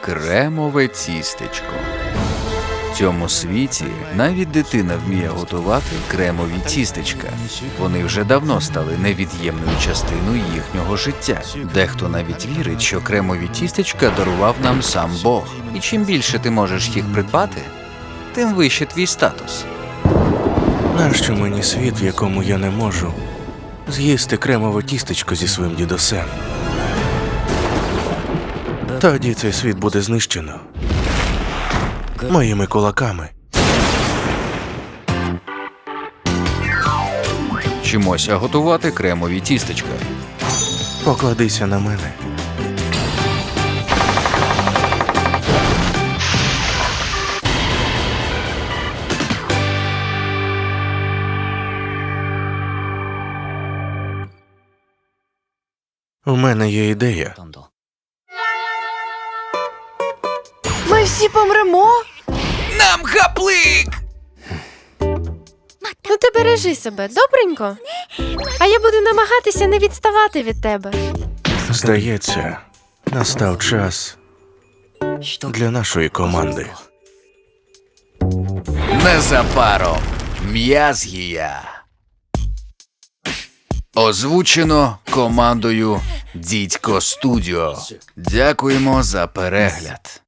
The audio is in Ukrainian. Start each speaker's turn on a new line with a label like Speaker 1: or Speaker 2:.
Speaker 1: Кремове тістечко. В цьому світі навіть дитина вміє готувати кремові тістечка. Вони вже давно стали невід'ємною частиною їхнього життя. Дехто навіть вірить, що кремові тістечка дарував нам сам Бог. І чим більше ти можеш їх придбати, тим вище твій статус.
Speaker 2: Нащо мені світ, в якому я не можу з'їсти кремове тістечко зі своїм дідусем? Тоді цей світ буде знищено моїми кулаками.
Speaker 1: Вчимося готувати кремові тістечка.
Speaker 2: Покладися на мене. У мене є ідея.
Speaker 3: Ми всі помремо?
Speaker 1: Нам гаплик!
Speaker 3: Ну ти бережи себе, добренько? А я буду намагатися не відставати від тебе.
Speaker 2: Здається, настав час для нашої команди.
Speaker 1: Незабаром М'язгія. Озвучено командою Дідько Студіо. Дякуємо за перегляд.